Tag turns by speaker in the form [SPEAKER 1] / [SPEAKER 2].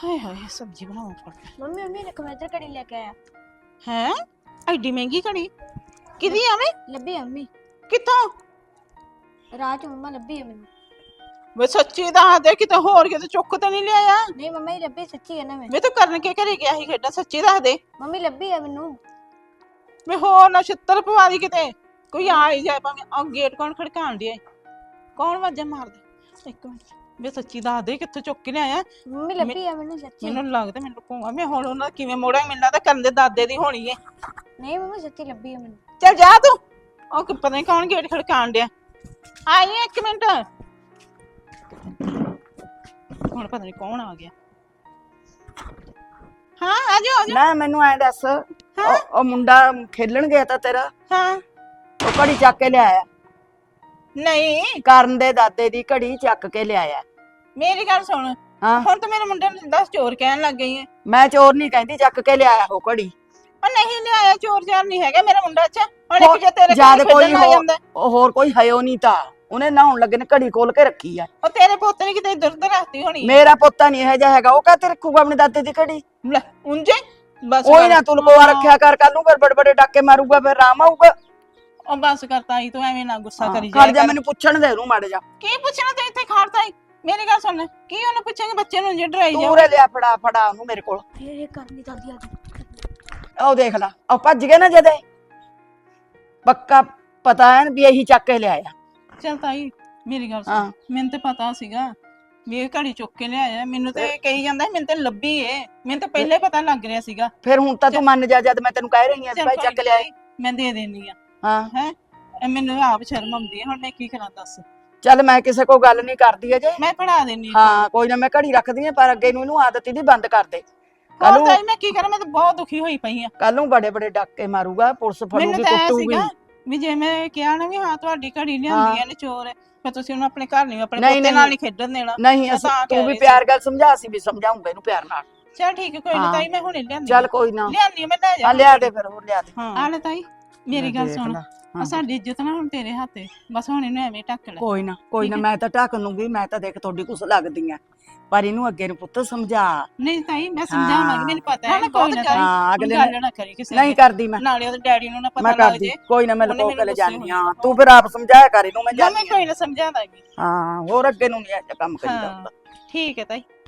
[SPEAKER 1] ਹਾਏ ਹਾਏ ਸਬਜ਼ੀ ਬਣਾਉਂ ਫੜ
[SPEAKER 2] ਮੰਮੀ ਮੰਮੀ ਨੇ ਕਮੈਦਰ ਘੜੀ ਲੈ ਕੇ ਆਇਆ।
[SPEAKER 1] ਹੈ ਐਡੀ ਮਹਿੰਗੀ ਘੜੀ ਕਿਦੀ ਆਵੇਂ
[SPEAKER 2] ਲੱਭੀ ਆ ਮੰਮੀ,
[SPEAKER 1] ਕਿੱਥੋਂ
[SPEAKER 2] ਰਾਤ ਮੰਮਾ ਲੱਭੀ ਆ ਮੈਨੂੰ।
[SPEAKER 1] ਵੇ ਸੱਚੀ ਦੱਸ ਦੇ ਕਿਤੇ ਹੋਰ ਕਿਤੇ ਚੁੱਕ ਤੇ ਨਹੀਂ ਲਿਆਇਆ
[SPEAKER 2] ਨਹੀਂ ਮੰਮਾ ਹੀ ਲੱਭੀ, ਸੱਚੀ ਹੈ ਨਾ ਮੈਂ।
[SPEAKER 1] ਵੇ ਤੂੰ ਕਰਨ ਕੇ ਘਰੇ ਗਿਆ ਸੀ ਖੇਡਾਂ ਸੱਚੀ ਦੱਸ ਦੇ
[SPEAKER 2] ਮੰਮੀ ਲੱਭੀ ਆ ਮੈਨੂੰ।
[SPEAKER 1] ਵੇ ਹੋਰ ਨਾ ਛਿੱਤਰ ਪਵਾ ਦੀ ਕਿਤੇ ਕੋਈ ਆ ਹੀ ਜਾਏ ਭਾਵੇਂ ਆ ਗੇਟ ਕੌਣ ਖੜਕਾਣ ਡਿਆ ਕੌਣ ਵਾਜਾ ਮਾਰਦਾ ਇੱਕ ਮਿੰਟ ਵੇ ਸੱਚੀ ਦੱਸ ਦੇ ਕਿੱਥੋਂ ਚੁੱਕ ਕੇ ਲਿਆਇਆ
[SPEAKER 2] ਮੰਮੀ ਲੱਭੀ ਆ ਮੈਨੂੰ ਸੱਚੀ।
[SPEAKER 1] ਮੈਨੂੰ ਲੱਗਦਾ ਮੈਨੂੰ ਲੁਕਾਉਂਗਾ ਮੈਂ ਹੁਣ ਉਹਨਾਂ ਦਾ ਕਿਵੇਂ ਮੋੜਾਂ ਮੈਨੂੰ ਲੱਗਦਾ ਕਰਨ ਦੇ ਦਾਦੇ ਦੀ ਹੋਣੀ ਏ
[SPEAKER 2] ਨਹੀਂ ਮੰਮੀ ਸੱਚੀ ਲੱਭੀ ਆ ਮੈਨੂੰ।
[SPEAKER 1] ਚੱਲ ਜਾ ਤੂੰ ਉਹ ਪਤਾ ਨਹੀਂ ਕੌਣ ਗੇਟ ਖੜਕਾਣ ਡਿਆ ਆਈ ਇੱਕ ਮਿੰਟ ਹੁਣ ਪਤਾ ਨਹੀਂ ਕੌਣ ਆ ਗਿਆ ਹਾਂ ਆ ਜਾ
[SPEAKER 3] ਨਾ ਮੈਨੂੰ ਐ ਦੱਸ ਉਹ ਮੁੰਡਾ ਖੇਲਣ ਗਿਆ ਤਾਂ ਤੇਰਾ
[SPEAKER 1] ਹਾਂ
[SPEAKER 3] ਉਹ ਘੜੀ ਚੱਕ ਕੇ ਲਿਆਇਆ
[SPEAKER 1] ਨਹੀਂ
[SPEAKER 3] ਕਰਨ ਦੇ ਦਾਦੇ ਦੀ ਘੜੀ ਚੱਕ ਕੇ ਲਿਆਇਆ।
[SPEAKER 1] ਮੇਰੀ ਗੱਲ ਸੁਣ
[SPEAKER 3] ਹਾਂ
[SPEAKER 1] ਹੁਣ ਤਾਂ ਮੇਰੇ ਮੁੰਡੇ ਨੂੰ ਦੱਸ ਚੋਰ ਕਹਿਣ ਲੱਗ ਗਈ ਹੈ
[SPEAKER 3] ਮੈਂ ਚੋਰ ਨਹੀਂ ਕਹਿੰਦੀ, ਚੱਕ ਕੇ ਲਿਆਇਆ ਉਹ ਘੜੀ।
[SPEAKER 1] ਉਹ ਨਹੀਂ ਲਿਆਇਆ ਚੋਰ ਜਾਰ ਨਹੀਂ ਹੈਗਾ ਮੇਰਾ ਮੁੰਡਾ ਅੱਛਾ ਹੁਣ ਇੱਕ ਜੇ ਤੇਰੇ
[SPEAKER 3] ਜਦ
[SPEAKER 1] ਕੋਲ
[SPEAKER 3] ਕੋਈ
[SPEAKER 1] ਆ ਜਾਂਦਾ
[SPEAKER 3] ਹੋਰ ਕੋਈ ਹਯੋ ਨਹੀਂ ਤਾਂ ਉਹਨੇ ਨਹਾਉਣ ਲੱਗੇ ਨੇ ਘੜੀ ਖੋਲ ਕੇ ਰੱਖੀ ਆ।
[SPEAKER 1] ਉਹ ਤੇਰੇ ਪੁੱਤ ਨੇ ਕਿਤੇ ਇੱਧਰ ਉੱਧਰ ਰੱਖਤੀ ਹੋਣੀ
[SPEAKER 3] ਮੇਰਾ ਪੋਤਾ ਨਹੀਂ ਇਹੋ ਜਿਹਾ ਹੈਗਾ, ਉਹ ਕਾਹਤੇ ਰੱਖੂਗਾ ਆਪਣੇ ਦਾਦੇ ਦੀ ਘੜੀ।
[SPEAKER 1] ਲੈ ਉਂਝੇ ਬਸ
[SPEAKER 3] ਉਹੀ ਨਾ ਤੂੰ ਲਕੋਆ ਰੱਖਿਆ ਕਰ, ਕੱਲ ਨੂੰ ਫਿਰ ਬੜੇ ਬੜੇ ਡਾਕੇ ਮਾਰੂਗਾ ਫਿਰ ਆਰਾਮ ਆਊਗਾ।
[SPEAKER 1] ਉਹ ਬਸ ਕਰਤਾ ਹੀ ਤੂੰ ਐਵੇਂ ਨਾ ਗੁੱਸਾ ਕਰੀ
[SPEAKER 3] ਖੜ ਜਾ ਮੈਨੂੰ ਪੁੱਛਣ ਦੇ ਉਹਨੂੰ ਮੜ ਜਾ।
[SPEAKER 1] ਕੀ ਪੁੱਛਣਾ ਤੇ ਇੱਥੇ ਖੜਦਾ ਹੀ ਮੇਰੀ ਗੱਲ ਸੁਣ ਕੀ ਉਹਨੂੰ ਪੁੱਛਾਂਗੇ ਬੱਚੇ ਨੂੰ ਜੇ ਡਰਾਈ ਜਾ
[SPEAKER 3] ਤੂੰ ਰੇ ਲਿਆ ਫੜਾ ਫੜਾ ਉਹਨੂੰ ਮੇਰੇ ਕੋਲ।
[SPEAKER 2] ਇਹ ਕਰਨੀ ਦਾਦੀ ਆ ਗਈ।
[SPEAKER 3] ਉਹ ਦੇਖ ਲਾ ਉਹ ਭੱਜ ਗਏ ਨਾ ਜਦੇ ਪੱਕਾ ਪਤਾ ਹੈ ਵੀ ਇਹੀ ਚੱਕ ਕੇ ਲਿਆਇਆ।
[SPEAKER 1] ਚੱਲ ਤਾਈ ਮੇਰੀ ਗੱਲ
[SPEAKER 3] ਹਾਂ।
[SPEAKER 1] ਸੁਣ ਮੈਨੂੰ ਤੇ ਪਤਾ ਸੀਗਾ ਵੀ ਇਹ ਘੜੀ ਚੁੱਕ ਕੇ ਲਿਆਇਆ ਮੈਨੂੰ ਤੇ ਕਹੀ ਜਾਂਦਾ ਮੈਨੂੰ ਤੇ ਲੱਭੀ ਏ ਮੈਨੂੰ ਤਾਂ ਪਹਿਲੇ ਪਤਾ ਲੱਗ ਰਿਹਾ ਸੀਗਾ
[SPEAKER 3] ਫਿਰ ਹੁਣ ਤਾਂ ਤੂੰ ਮੰਨ ਜਾ ਜਦ ਮੈਂ ਤੈਨੂੰ ਕਹਿ ਰਹੀ ਹਾਂ
[SPEAKER 1] ਚੱਲ
[SPEAKER 3] ਭਾਈ
[SPEAKER 1] ਕੋਈ
[SPEAKER 3] ਚੱਕ ਲਿਆਏ।
[SPEAKER 1] ਮੈਂ ਦੇ ਦੇਣੀ ਆ
[SPEAKER 3] ਹਾਂ
[SPEAKER 1] ਹੈ ਮੈਨੂੰ ਆਪ ਸ਼ਰਮ ਆਉਂਦੀ ਹੈ ਹੁਣ ਮੈਂ ਕੀ ਕਰਾਂ ਦੱਸ
[SPEAKER 3] ਚੱਲ ਮੈਂ ਕਿਸੇ ਕੋਲ ਗੱਲ ਨਹੀਂ ਕਰਦੀ ਅਜੇ।
[SPEAKER 1] ਮੈਂ ਪੜਾ ਦੇਣੀ
[SPEAKER 3] ਹਾਂ ਕੋਈ ਨਾ ਮੈਂ ਘੜੀ ਰੱਖਦੀ ਆ ਪਰ ਅੱਗੇ ਨੂੰ ਇਹਨੂੰ ਆਦਤ ਇਹਦੀ ਬੰਦ ਕਰ ਦੇ।
[SPEAKER 1] ਕੱਲ ਨੂੰ ਤਾਈ ਮੈਂ ਕੀ ਕਰਾਂ ਮੈਂ ਤਾਂ ਬਹੁਤ ਦੁਖੀ ਹੋਈ ਪਈ ਆ
[SPEAKER 3] ਕੱਲ ਨੂੰ ਬੜੇ ਬੜੇ ਡਾਕੇ ਮਾਰੂਗਾ, ਪੁਲਿਸ
[SPEAKER 1] ਮੈਨੂੰ
[SPEAKER 3] ਫੜੂਗੀ
[SPEAKER 1] ਤਾਂ ਐ
[SPEAKER 3] ਕੁੱਟੂਗੀ।
[SPEAKER 1] ਸੀਗਾ ਵੀ ਜੇ ਮੈਂ ਕਿਹਾ ਨਾ ਵੀ ਹਾਂ ਤੁਹਾਡੀ ਘੜੀ ਲਿਆਂਦੀ ਐ ਨੇ ਚੋਰ ਹੈ ਫਿਰ ਤੁਸੀਂ ਉਹਨੂੰ ਆਪਣੇ ਘਰ ਨਹੀਂ ਆਪਣੇ
[SPEAKER 3] ਨਹੀਂ,
[SPEAKER 1] ਪੋਤੇ ਨਾਲ ਨਹੀਂ ਖੇਡਣ ਦੇਣਾ
[SPEAKER 3] ਨਹੀਂ
[SPEAKER 1] ਮੈਂ ਤਾਂ
[SPEAKER 3] ਤੂੰ
[SPEAKER 1] ਕਹਿ
[SPEAKER 3] ਵੀ
[SPEAKER 1] ਰਹੀ
[SPEAKER 3] ਪਿਆਰ ਗੱਲ ਸਮਝਾ, ਸੀ ਵੀ ਸਮਝਾਉਂਗਾ ਇਹਨੂੰ ਪਿਆਰ ਨਾਲ।
[SPEAKER 1] ਚਲ ਠੀਕ ਹੈ ਕੋਈ ਨਾ
[SPEAKER 3] ਹਾਂ।
[SPEAKER 1] ਤਾਈ ਮੈਂ ਹੁਣੇ ਲਿਆਂਦੀ
[SPEAKER 3] ਚੱਲ ਕੋਈ ਨਾ
[SPEAKER 1] ਲਿਆਂਦੀ ਮੈਂ ਲੈ ਜਾ
[SPEAKER 3] ਆ ਲਿਆ ਦੇ ਫਿਰ ਹੋਰ ਲਿਆ ਦੇ।
[SPEAKER 1] ਆ ਲੈ ਤਾਈ ਮੇਰੀ ਗੱਲ
[SPEAKER 3] ਦੇਖ
[SPEAKER 1] ਸੁਣ
[SPEAKER 3] ਲਾ।
[SPEAKER 1] ਆ ਸਾਡੀ ਇੱਜ਼ਤ ਨਾ ਹੁਣ ਤੇਰੇ ਹੱਥੇ ਬਸ ਹੁਣ ਇਹਨੂੰ ਐਵੇਂ ਢੱਕ ਲੈ
[SPEAKER 3] ਕੋਈ ਨਾ ਮੈਂ ਤਾਂ ਢੱਕ ਲੂੰਗੀ, ਮੈਂ ਤਾਂ ਦੇਖ ਤੁਹਾਡੀ ਕੁਛ ਲੱਗਦੀ ਆ ਪਰ ਇਹਨੂੰ ਅੱਗੇ ਨੂੰ ਪੁੱਤ ਸਮਝਾ।
[SPEAKER 1] ਨਹੀਂ ਤਾਈ ਮੈਂ ਸਮਝਾਵਾਂਗੀ ਮੈਨੂੰ ਪਤਾ ਹੈ ਬਹੁਤ ਗੱਲ
[SPEAKER 3] ਹਾਂ ਅਗਲੇ
[SPEAKER 1] ਗੱਲ ਨਾ ਕਰੀ ਕਿਸੇ
[SPEAKER 3] ਨਹੀਂ ਕਰਦੀ ਮੈਂ
[SPEAKER 1] ਨਾਲੇ ਉਹਦੇ ਡੈਡੀ ਨੂੰ ਨਾ
[SPEAKER 3] ਮੈਂ
[SPEAKER 1] ਪਤਾ ਲੱਗ
[SPEAKER 3] ਕਰਦੀ
[SPEAKER 1] ਜੇ
[SPEAKER 3] ਕੋਈ ਨਾ ਮੈਂ
[SPEAKER 1] ਉਹਨੇ
[SPEAKER 3] ਲਕੋ
[SPEAKER 1] ਮੈਨੂੰ
[SPEAKER 3] ਕੇ
[SPEAKER 1] ਗੁੱਸੇ
[SPEAKER 3] ਜਾਨੀ
[SPEAKER 1] ਹੋਣੀ
[SPEAKER 3] ਆ। ਤੂੰ ਫਿਰ ਆਪ ਸਮਝਾਇਆ ਕਰ ਇਹਨੂੰ, ਮੈਂ
[SPEAKER 1] ਮੈਂ
[SPEAKER 3] ਜਾਨੀ
[SPEAKER 1] ਕੋਈ ਨਾ ਸਮਝਾ ਦਾਂਗੀ
[SPEAKER 3] ਹਾਂ ਹੋਰ ਅੱਗੇ ਨੂੰ ਨਹੀਂ ਇਹ ਕੰਮ ਕਰੀਦਾ
[SPEAKER 1] ਹਾਂ
[SPEAKER 3] ਹੁੰਦਾ।
[SPEAKER 1] ਠੀਕ ਹੈ ਤਾਈ